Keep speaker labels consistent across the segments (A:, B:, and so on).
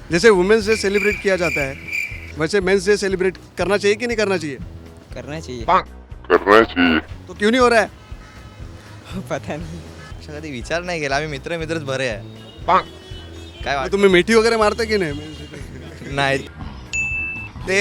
A: जैसे women's day celebrate KIA जाता है वैसे मेंस डे सेलिब्रेट करना चाहिए कि नहीं करना चाहिए?
B: करना चाहिए.
C: करना चाहिए.
A: तो क्यों नहीं हो रहा है?
B: पता नाही.
D: अशा कधी विचार नाही केला. आम्ही मित्रच बरे आहे. काय
A: मग तुम्ही मिठी वगैरे मारता की नाही?
D: नाही
B: ते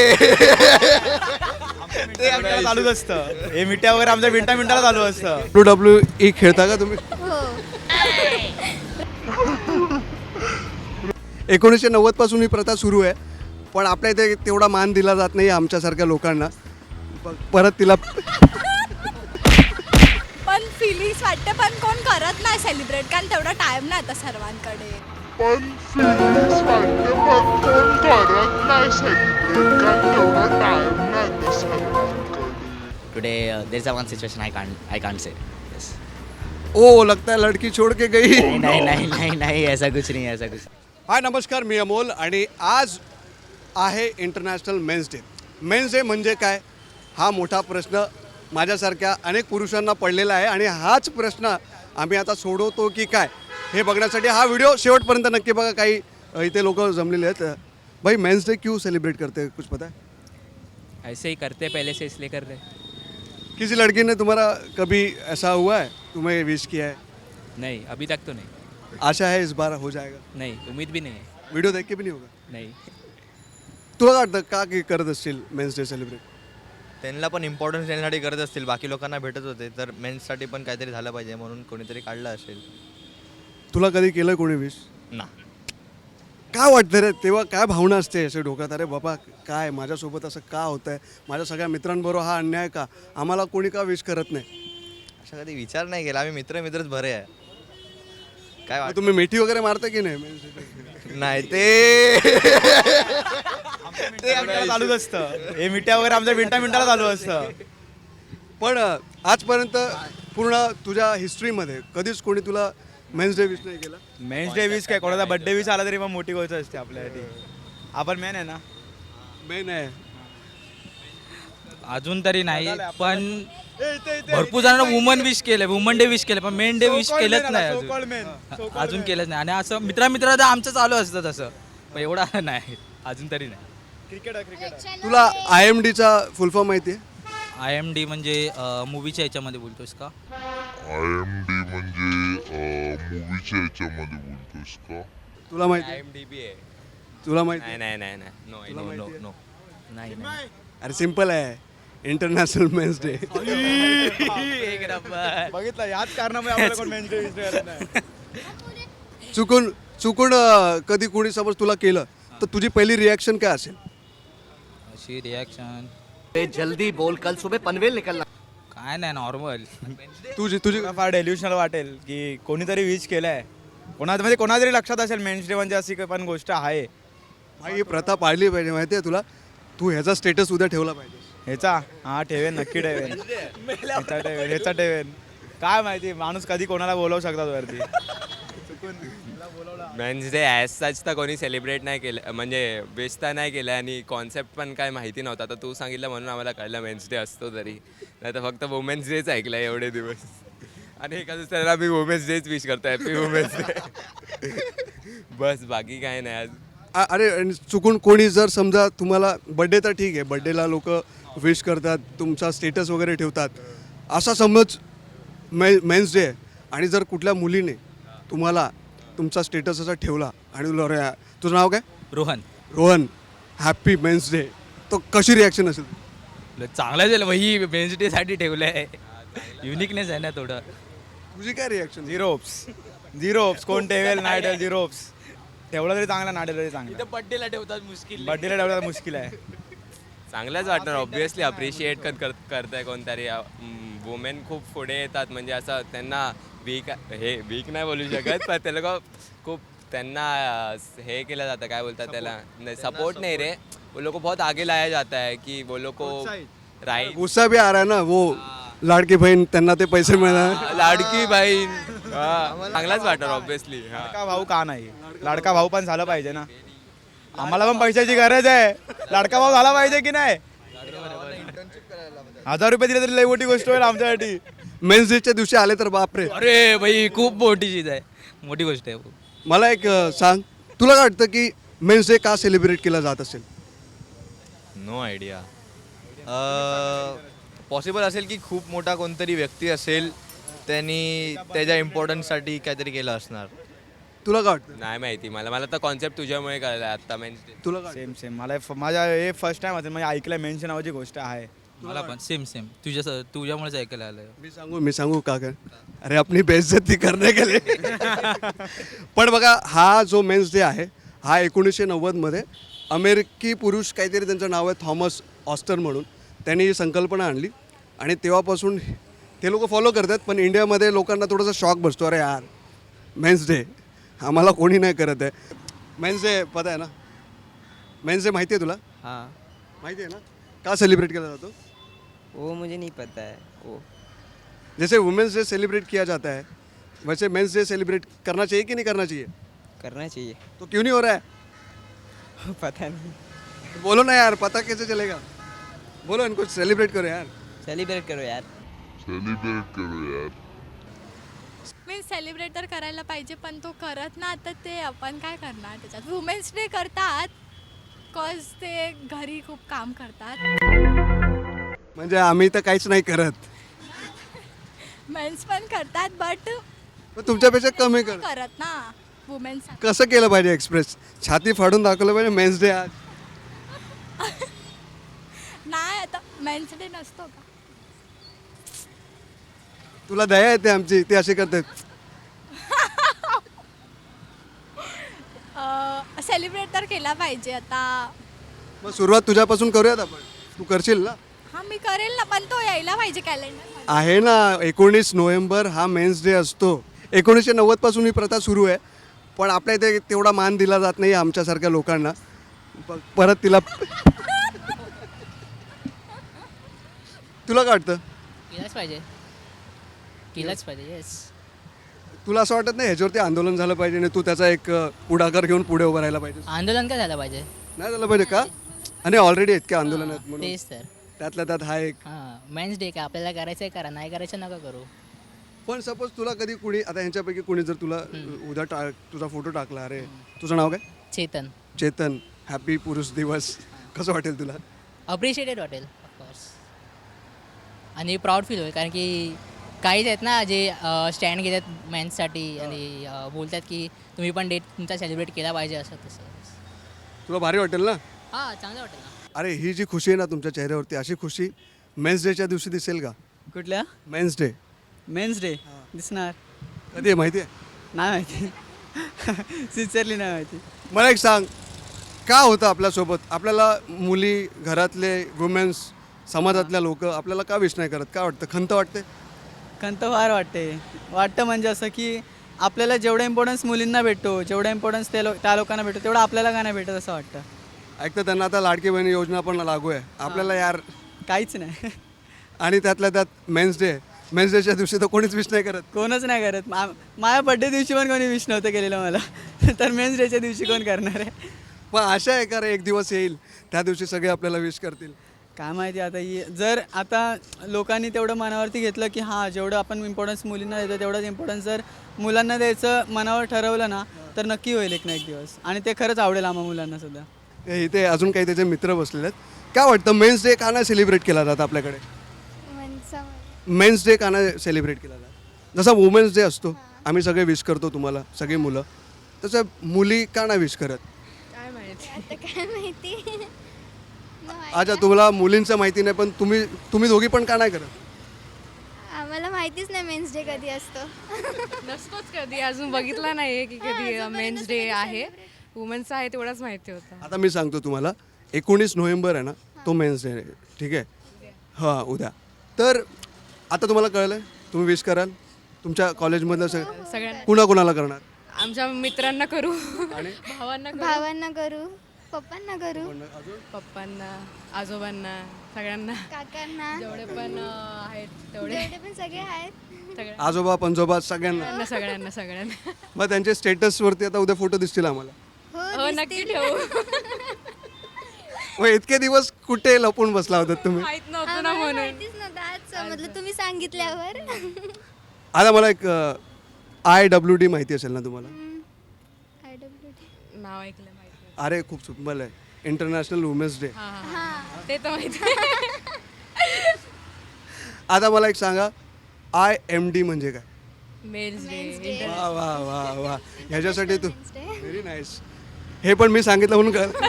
B: आमच्याला चालूच असतं. हे मिठ्या वगैरे आमच्या मिनिटाला चालू असतं.
A: WWE खेळता का तुम्ही? 1990 पासून ही प्रथा सुरू आहे, पण आपल्या इथे तेवढा मान दिला जात नाही आमच्यासारख्या लोकांना. परत तिला
E: पण फिलिंग्स वाटते, पण कोण करत नाही सेलिब्रेट, कारण तेवढा टाइम नाही आता सर्वांकडे.
C: पण feelings वाटते पण कोण करत नाही सेलिब्रेट कारण तेवढा टाइम नाही आता सर्वांकडे.
F: Today there's a one situation I can't say. Yes.
A: ओ लगता है लड़की छोड़ के गई.
F: नहीं ऐसा कुछ नहीं ऐसा कुछ.
A: हाय नमस्कार, मी अमोल आणि आज आहे international men's day. Men's day म्हणजे काय हा मोठा प्रश्न माझ्यासारख्या अनेक पुरुषांना पडलेला आहे आणि हाच प्रश्न आम्ही आता सोडवतो की काय हे बघण्यासाठी हा व्हिडिओ शेवटपर्यंत नक्की बघा. काही इथे लोक जमलेले आहेत. भाई मेन्स डे क्यों सेलिब्रेट करते हैं, कुछ पता है?
G: ऐसे ही करते पहले से इसलिए कर रहे.
A: किसी लड़की ने तुम्हारा कभी ऐसा हुआ है, तुम्हें विश किया है?
G: नहीं अभी तक तो नहीं.
A: आशा है इस बार हो जाएगा.
G: नहीं उम्मीद भी नहीं है.
A: व्हिडिओ देख के भी नहीं होगा.
G: नहीं.
A: तुला काय वाटतं का की करत असतील मेन्स डे सेलिब्रेट?
D: त्यांना पण इम्पॉर्टन्स देण्यासाठी करत असतील. बाकी लोकांना भेटत होते तर मेन्ससाठी पण काहीतरी झालं पाहिजे म्हणून कोणीतरी काढलं असेल.
A: तुला कधी केलं कोणी विश?
D: ना
A: काय वाटतं रे तेव्हा, काय भावना असते असे डोक्यात? अरे बाबा काय माझ्यासोबत असं का होतं आहे, माझ्या सगळ्या मित्रांबरोबर हा अन्याय का, आम्हाला कोणी का विश करत नाही?
D: अशा कधी विचार नाही केला. आम्ही मित्रच बरे आहे. काय
A: मग तुम्ही मिठी वगैरे मारता की नाही?
D: नाही ते
B: आमच्याला चालूच असतं. हे मिठ्या वगैरे आमच्या मिनिटाला चालू असतं.
A: पण आजपर्यंत पूर्ण तुझ्या हिस्ट्रीमध्ये कधीच कोणी तुला मेन्स डे विश नाही केला?
B: मेन्स डे विश काय, कोणाचा बर्थडे विश आला तरी मग मोठी गोष्ट असते आपल्यासाठी. आपण मेन आहे ना.
A: मेन आहे.
G: अजून तरी नाही, पण भरपूर जणांना वुमन विश केले, वुमन डे विश केले, पण मेन डे विश केलंच नाही अजून केलंच नाही. आणि असं मित्र आमचं चालू असतं तसं, पण एवढा नाही अजून तरी नाही.
B: क्रिकेट.
A: तुला IMDचा फुल फॉर्म माहिती आहे?
G: IMD म्हणजे मूवीच्या याच्यामध्ये बोलतोस का?
C: IMD म्हणजे मूवीच्या याच्यामध्ये बोलतोस का?
A: तुला माहिती आहे?
D: IMDb आहे.
A: तुला माहिती आहे?
D: नाही
A: तुला माहिती आहे?
G: नाही.
A: अरे सिम्पल आहे, इंटरनॅशनल मेन्स डे.
G: एक नंबर.
B: बघितलं, याच कारणामुळे आपल्याला कोण मेन्स डे विश करत नाही.
A: चुकून कधी कोणी समज तुला केलं तर तुझी पहिली रिॲक्शन काय असेल?
G: अशी रिॲक्शन
F: जल्दी बोल कल सुबह पनवेल निकलना.
G: काय नाही, नॉर्मल.
A: तुझी
B: फार डेल्युशनल वाटेल की कोणीतरी विश केलंय, म्हणजे कोणातरी लक्षात असेल मेन्स डे म्हणजे अशी पण गोष्ट आहे.
A: भाई ही प्रथा पाळली पाहिजे, माहिती आहे तुला? तू ह्याचा स्टेटस उद्या ठेवला पाहिजे.
B: ह्याचा ठेवेन, नक्की ठेवेन. ह्याचा ठेवेन. काय माहिती माणूस कधी कोणाला बोलवू शकतात वरती.
H: मेन्स डे ॲज सच तर कोणी सेलिब्रेट नाही केलं, म्हणजे विश तर नाही केलं आणि कॉन्सेप्ट पण काय माहिती नव्हता. तर तू सांगितलं म्हणून आम्हाला कळलं मेन्स डे असतो तरी, नाही तर फक्त वुमेन्स डेच ऐकलं एवढे दिवस. आणि एका दुसऱ्याला मी वुमेन्स डेच विश करतो, हॅपी वुमेन्स डे. बस बाकी काय नाही आज.
A: अरे आणि चुकून कोणी जर समजा तुम्हाला बड्डे, तर ठीक आहे, बड्डेला लोक विश करतात, तुमचा स्टेटस वगैरे ठेवतात. असा समज मेन्स डे आहे आणि जर कुठल्या मुलीने तुम्हाला तुमचा स्टेटस असा ठेवला आणि तुला अरे तुझं नाव काय? रोहन हॅपी मेन्स डे, तो कशी रिॲक्शन असेल?
G: चांगलं झालं भाई, मेन्स डे साठी ठेवलंय. युनिकनेस आहे ना थोडं.
A: तुझी काय रिॲक्शन?
B: Zero oops. कोण ठेवेल नाही ठेवेल, झिरो ओप्स. ठेवलं तरी चांगला, नाही ठेवलं तरी चांगलं.
G: बर्थडेला ठेवतात मुश्किल.
B: बर्थडेला ठेवलं मुश्किल आहे.
H: चांगलंच वाटणार ऑब्विसली. अप्रिशिएट करताय कोणतरी. वुमेन खूप पुढे येतात, म्हणजे असं त्यांना वीक नाही बोलू शकत, पण ते लोक खूप त्यांना हे केलं जातं, काय बोलतात त्याला, नाही सपोर्ट नाही रे, वो लोग को बहुत आगे लाया जाता है कि वो लोग को राइट.
A: गुस्सा भी आ रहा है ना, वो लाडकी बहीण त्यांना ते पैसे मिळणार.
H: लाडकी बहीण चांगलाच वाटणार ऑब्विसली.
B: लाडका भाऊ का नाही? लाडका भाऊ पण झालं पाहिजे ना. आम्हाला पण पैशाची गरज आहे. लाडका भाऊ झाला पाहिजे की नाही? 1000 रुपये दिले तरी लई मोठी गोष्ट होईल आमच्यासाठी.
A: मेन्स डेच्या दिवशी आले तर बापरे.
G: अरे भाई खूप मोठी चीज आहे, मोठी गोष्ट आहे.
A: मला एक सांग, तुला काय वाटतं की मेन्स डे का सेलिब्रेट केला जात असेल?
D: No idea. पॉसिबल असेल की खूप मोठा कोणतरी व्यक्ती असेल, त्यांनी त्याच्या इम्पॉर्टन्ससाठी काहीतरी केलं असणार.
A: तुला काय वाटतं?
H: नाही माहिती मला तर कॉन्सेप्ट तुझ्यामुळे कळला आत्ता मेन्स डे.
A: तुला काय
B: सेम सेम मला माझ्या हे फर्स्ट टाइम असेल म्हणजे ऐकलं मेन्स नावाची गोष्ट आहे.
G: मला पण सेम तुझ्यामुळेच ऐकायला आलं.
A: मी सांगू का काय? अरे अपनी बेइज्जती करने के लिए. पण बघा हा जो मेन्स डे आहे हा 1990मध्ये अमेरिकी पुरुष काहीतरी त्यांचं नाव आहे थॉमस ऑस्टर म्हणून, त्यांनी ही संकल्पना आणली आणि तेव्हापासून ते लोक फॉलो करतात. पण इंडियामध्ये लोकांना थोडासा शॉक बसतो, अरे यार मेन्स डे आम्हाला कोणी नाही करत आहे. मेन्स डे पता आहे ना? मेन्स डे माहिती आहे तुला?
I: हाँ
A: माहिती आहे ना का सेलिब्रेट केला जातो?
I: वो मुझे नहीं पता है वो.
A: जैसे वुमेंस डे सेलिब्रेट किया जाता है वैसे मेंस डे सेलिब्रेट करना चाहिए कि नहीं करना चाहिए?
I: करना चाहिए.
A: तो क्यों नहीं हो रहा है?
I: पता नहीं.
A: बोलो ना यार, पता कैसे चलेगा? बोलो इनको सेलिब्रेट करो यार.
I: सेलिब्रेट करो यार.
E: मी सेलिब्रेट तर करायला पाहिजे पण तो करत ना, आता ते आपण काय करणार त्याच्यात. वुमेन्स डे करतात कॉज ते घरी खूप काम करतात.
A: म्हणजे आम्ही तर काहीच नाही करत,
E: मेन्स पण करतात बट
A: पण तुमच्यापेक्षा कमी कर.
E: करत ना वुमेन्स.
A: कसं केलं पाहिजे एक्सप्रेस? छाती फाडून दाखवलं पाहिजे मेन्स डे आज?
E: नाही आता मेन्स डे नसतो का?
A: तुला दया येते आमची, ते असे करतात.
E: सेलिब्रेट तर केला पाहिजे आता.
A: मग सुरुवात तुझ्यापासून करूयात आपण. तू करशील ना?
E: हा मी करेल ना, पण तो यायला पाहिजे कॅलेंडर.
A: आहे ना 19 नोव्हेंबर हा मेन्स डे असतो. 1990 पासून ही प्रथा सुरू आहे, पण आपल्या इथे तेवढा मान दिला जात नाही आमच्यासारख्या लोकांना. परत तिला तुला काय वाटतं?
F: केलंच पाहिजे येस.
A: तुला असं वाटत नाही ह्याच्यावरती आंदोलन झालं पाहिजे आणि तू त्याचा एक पुढाकार घेऊन पुढे उभं राहायला पाहिजे?
F: आंदोलन काय झालं पाहिजे?
A: नाही झालं पाहिजे का? आणि ऑलरेडी इतके आंदोलन आहेत म्हणून
F: तेच तर.
A: त्यातल्या त्यात हा एक.
F: हां मेन्स डे का आपल्याला करायचं आहे करा, नाही करायचं नका करू.
A: पण सपोज तुला कधी कुणी आता ह्यांच्यापैकी कुणी जर तुला उद्या तुझा फोटो टाकला, अरे तुझं नाव काय?
F: चेतन.
A: चेतन, हॅपी पुरुष दिवस, कसं वाटेल तुला?
F: अप्रिशिएटेड वाटेल ऑफकोर्स. आणि प्राऊड फील होईल कारण की काहीच आहेत ना जे स्टँड घेतात मेन्ससाठी आणि बोलतात की तुम्ही पण डेट तुमचा सेलिब्रेट केला पाहिजे असं तसं.
A: तुला भारी वाटेल ना?
F: हां चांगलं वाटेल ना.
A: अरे ही जी खुशी आहे ना तुमच्या चेहऱ्यावरती, अशी खुशी मेन्स डेच्या दिवशी दिसेल का?
I: कुठल्या?
A: मेन्स डे
I: मेन्स डे दिसणार.
A: कधी आहे माहिती आहे?
I: नाही माहिती. सिन्सिअरली नाही माहिती.
A: मला एक सांग, का होतं आपल्यासोबत? आपल्याला मुली, घरातले वुमेन्स, समाजातल्या लोक आपल्याला का विश नाही करत? काय वाटतं? खंत वाटते?
I: खंत फार वाटतं म्हणजे असं की आपल्याला जेवढा इम्पॉर्टन्स मुलींना भेटतो, जेवढा इम्पॉर्टन्स त्या लोकांना भेटतो तेवढं आपल्याला का नाही भेटत असं वाटतं.
A: ऐकतं त्यांना आता लाडकी बहिणी योजना पण लागू आहे आपल्याला यार,
I: काहीच नाही.
A: आणि त्यातल्या त्यात मेन्स डेच्या दिवशी तर कोणीच विश नाही करत.
I: कोणच नाही करत. माझ्या बड्डे दिवशी पण कोणी विश नव्हतं केलेलं मला. तर मेन्स डेच्या दिवशी कोण करणार आहे?
A: पण आशा आहे का रे एक दिवस येईल त्या दिवशी सगळे आपल्याला विश करतील?
I: काय माहिती आता जर आता लोकांनी तेवढं मनावरती घेतलं की हां जेवढं आपण इम्पॉर्टन्स मुलींना देतो तेवढंच इम्पॉर्टन्स जर मुलांना द्यायचं मनावर ठरवलं ना तर नक्की होईल एक ना एक दिवस. आणि ते खरंच आवडेल आम्हा मुलांना सुद्धा.
A: इथे अजून काही त्याचे मित्र बसलेले आहेत. काय वाटतं मेन्स डे का नाही सेलिब्रेट केला जात आपल्याकडे? मेन्स डे का नाही सेलिब्रेट केला जात? जसा वुमेन्स डे असतो आम्ही सगळे विश करतो तुम्हाला सगळी मुलं, तसं मुली का नाही विश करत?
E: काय माहिती, आता काय माहिती.
A: अच्छा तुम्हाला मुलींचं माहिती नाही, पण तुम्ही दोघी पण का नाही करत?
E: आम्हाला माहितीच नाही मेन्स डे कधी असतो.
J: नसतोच कधी, अजून बघितला नाही की कधी मेन्स डे आहे. वुमेन्सचा आहे तेवढाच माहिती होतं.
A: आता मी सांगतो तुम्हाला, 19 नोव्हेंबर आहे ना तो मेन्स डे आहे, ठीक आहे? हां उद्या. तर आता तुम्हाला कळलं, तुम्ही विश कराल तुमच्या कॉलेजमधलं
J: सगळ्यांना,
A: कुणाकुणाला करणार?
J: आमच्या मित्रांना करू,
A: आणि
J: भावांना
E: करू, पप्पांना करू,
J: पप्पांना, आजोबांना, सगळ्यांना,
E: काकांना,
J: जेवढे पण आहेत तेवढे
E: पण सगळे आहेत.
A: आजोबा पंजोबा सगळ्यांना.
J: सगळ्यांना.
A: मग त्यांचे स्टेटसवरती आता उद्या फोटो दिसतील आम्हाला.
J: हो नक्की ठेवू.
A: मग इतके दिवस कुठे लपून बसला होता तुम्ही?
J: माहित नव्हतं ना म्हणून.
E: माहितीच नव्हतं, आज समजलं तुम्ही सांगितल्यावर.
A: आता मला एक IWD माहिती असेल ना तुम्हाला?
J: नाव ऐकलं माहिती.
A: अरे खूप सिम्पल आहे, इंटरनॅशनल वुमेन्स डे.
J: ते तर माहिती.
A: आता मला एक सांगा, IMD म्हणजे काय?
J: Men's day.
A: वा वा वा वा, ह्याच्यासाठी तू व्हेरी नाईस. हे पण मी सांगितलं म्हणून कर.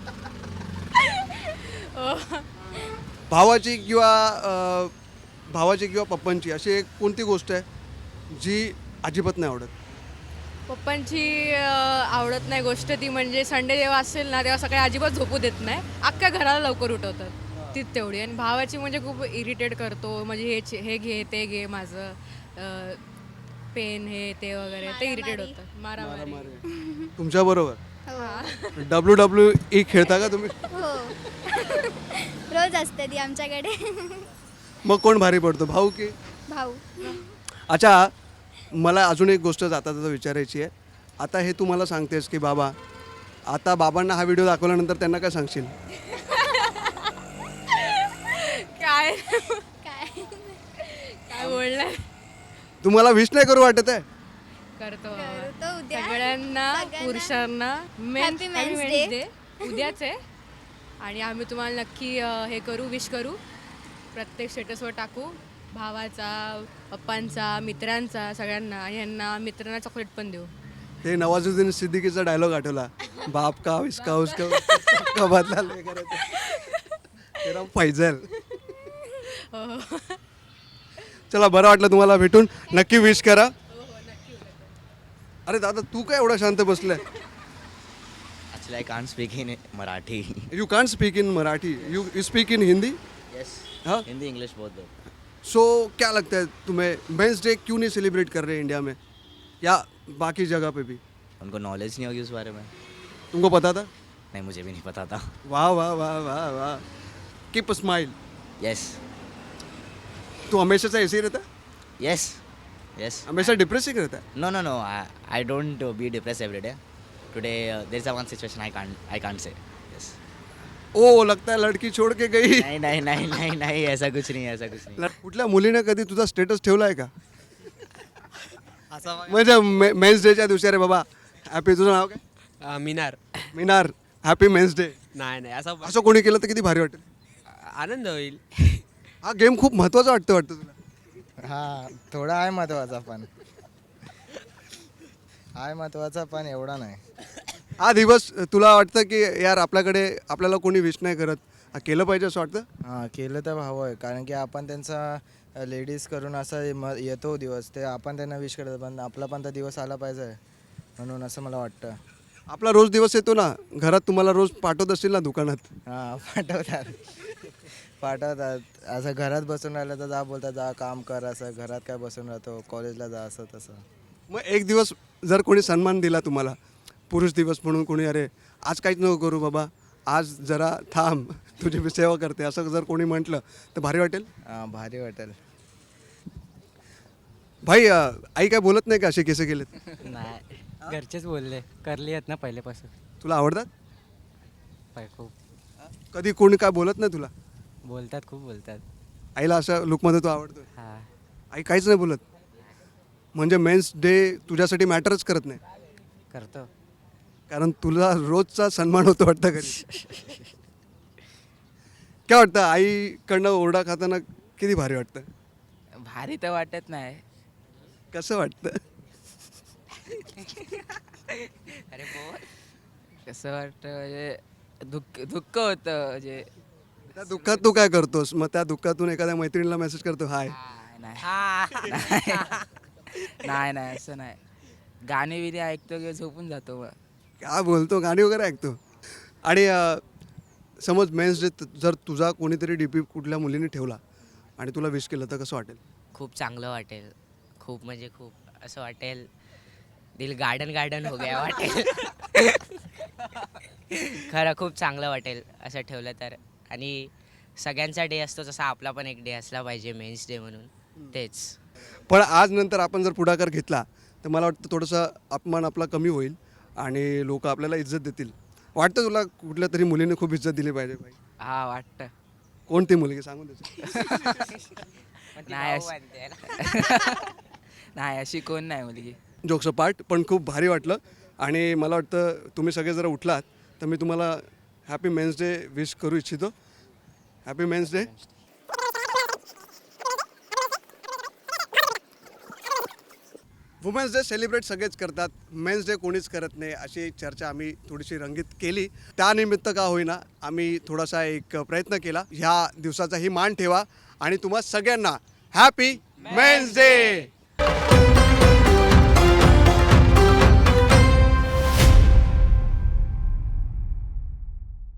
A: भावाची किंवा पप्पांची अशी एक कोणती गोष्ट आहे जी अजिबात नाही आवडत?
J: पप्पांची आवडत नाही गोष्ट ती म्हणजे संडे जेव्हा असेल ना तेव्हा सकाळी अजिबात झोपू देत नाही, अख्ख्या घराला लवकर उठवतात, तीच तेवढी. आणि भावाची म्हणजे खूप इरिटेट करतो, म्हणजे हे घे ते घे माझं पेन हे ते वगैरे, ते इरिटेट होतं. मारामारी.
A: तुमच्या बरोबर WWE खेळता का तुम्ही?
E: हो. रोज असते ती आमच्याकडे.
A: मग कोण भारी पडतो, भाऊ की?
E: भाऊ.
A: अच्छा, मला अजून एक गोष्ट जाता जाता विचारायची आहे. आता हे तू मला सांगतेस की बाबा, आता बाबांना हा व्हिडिओ दाखवल्यानंतर त्यांना काय सांगशील?
J: काय
E: काय
J: काय बोलणार.
A: तुम्हाला विश नाही करू वाटत आहे?
J: करतो
E: करतो उद्या.
J: सगळ्यांना पुरुषांना
E: Happy Men's Day.
J: उद्याच आहे. आणि आम्ही तुम्हाला नक्की हे करू, विश करू, प्रत्येक स्टेटसवर टाकू, भावाचा, पप्पांचा, मित्रांचा, सगळ्यांना. आणि यांना मित्रांना चॉकलेट पण देऊ.
A: ते नवाजुद्दीन सिद्दीकीचा डायलॉग आठवला, बाप का इसका उसका बदला लेकर तेरा फैजल. चला, बरं वाटलं तुम्हाला भेटून, नक्की विश करा. अरे दादा, तू काय एवढा शांत बसलाय?
D: Actually I can't speak in Marathi.
A: You can't speak in Marathi, you speak in Hindi?
D: Yes,
A: हाँ,
D: हिंदी इंग्लिश बोथ दो.
A: सो क्या लगता है तुम्हें, मेंस डे क्यों नहीं सेलिब्रेट कर रहे इंडिया में या बाकी जगह पे भी?
D: उनको नॉलेज नहीं होगी उस बारे में.
A: तुमको पता था?
D: नहीं, मुझे भी नहीं पता था.
A: वाह वाह वाह वाह वाह, कीप स्माइल.
D: यस
A: तू हमेशा से ऐसे ही रहता है?
D: Yes yes.
A: हमेशा डिप्रेस ही रहता है?
D: No, no, no. I don't be depressed every day. Today there's a one situation I can't say. Yes.
A: ओ, लगता है लड़की छोड़ के गई.
D: नहीं नहीं नहीं नहीं नहीं, ऐसा कुछ नहीं, ऐसा कुछ नहीं.
A: कुठल्या मुलीने कधी तुझा स्टेटस ठेवलाय का? म्हणजे मेन्स डेच्या दिवशी, अरे बाबा हॅपी, तुझं नाव काय?
K: Minar.
A: Minar, happy men's day.
K: नाही
A: असं कोणी केलं तर किती भारी वाटेल.
K: आनंद होईल.
A: हा गेम खूप महत्वाचा वाटतं तुला?
B: हा, थोडा आहे महत्वाचा, पण एवढा नाही.
A: हा दिवस तुला वाटतं की यार आपल्याला कोणी विश नाही करत, हा केलं पाहिजे असं वाटतं?
B: हां, केलं तर हवं आहे, कारण की आपण त्यांचा लेडीज करून असा येतो दिवस, ते आपण त्यांना विश करतो, पण आपला पण तर दिवस आला पाहिजे, म्हणून असं मला वाटतं.
A: आपला रोज दिवस येतो ना, घरात तुम्हाला रोज पाठवत असतील ना दुकानात?
B: हां, पाठवतात. असं घरात बसून राहिलं तर जा, बोलतात जा काम कर, असं घरात काय बसून राहतो, कॉलेजला जा, असं तसं.
A: मग एक दिवस जर कोणी सन्मान दिला तुम्हाला, पुरुष दिवस म्हणून कोणी, अरे आज काहीच नको करू बाबा, आज जरा थांब, तुझी मी सेवा करते, असं जर कोणी म्हटलं तर भारी वाटेल?
B: हां, भारी वाटेल.
A: भाई, आई काय बोलत नाही का असे केस केलेत?
K: नाही, घरचेच बोलले, करली आहेत ना पहिल्यापासून.
A: तुला आवडतात?
K: खूप
A: कधी कोणी काय बोलत नाही तुला?
K: बोलतात, खूप बोलतात.
A: आईला अशा लुकमध्ये तो आवडतो?
K: हां,
A: आई काहीच नाही बोलत? म्हणजे मेन्स डे तुझ्यासाठी मॅटरच करत नाही,
K: करतो.
A: कारण तुला रोजचा सन्मान होतो वाटतं घरी. काय वाटतं, आईकडनं ओरडा खाताना किती भारी वाटतं?
K: भारी तर वाटत नाही.
A: कसं वाटतं?
K: अरे बोल. कसं वाटतं म्हणजे दुःख होतं, म्हणजे
A: त्या दुःखात तू काय करतोस? मग त्या दुःखातून एखाद्या मैत्रिणीला मेसेज करतो, हाय?
K: नाही नाही, असं नाही. गाणी बिणी ऐकतो किंवा झोपून जातो. मग
A: काय बोलतो, गाणी वगैरे ऐकतो? आणि समज मेन्स डे जर तुझा कोणीतरी डीपी कुठल्या मुलीने ठेवला आणि तुला विश केलं तर कसं वाटेल?
F: खूप चांगलं वाटेल, खूप म्हणजे खूप असं वाटेल, दिल गार्डन हो गया वाटेल. खरं खूप चांगलं वाटेल असं ठेवलं तर. आणि सगळ्यांचा डे असतो तसा आपला पण एक डे असला पाहिजे मेन्स डे म्हणून, तेच.
A: पण आज नंतर आपण जर पुढाकार घेतला तर मला वाटतं थोडंसं अपमान आपला कमी होईल आणि लोक आपल्याला इज्जत देतील. वाटतं तुला कुठल्या तरी मुलीने खूप इज्जत दिली पाहिजे भाई?
K: हा, वाटतं.
A: कोणती मुलगी सांगून द्यायची?
K: नाही, अशी कोण नाही मुलगी.
A: जोक्स पार्ट, पण खूप भारी वाटलं. आणि मला वाटतं तुम्ही सगळे जरा उठलात तर मी तुम्हाला हॅपी मेन्स डे विश करू इच्छितो. Happy men's day. Women's day celebrate सगळेच करतात, मेन्स डे कोणीच करत नाही, अशी चर्चा आम्ही थोडीशी रंगीत केली. त्यानिमित्त का होईना आम्ही थोडासा एक प्रयत्न केला. ह्या दिवसाचाही मान ठेवा आणि तुम्हा सगळ्यांना हॅपी मेन्स डे.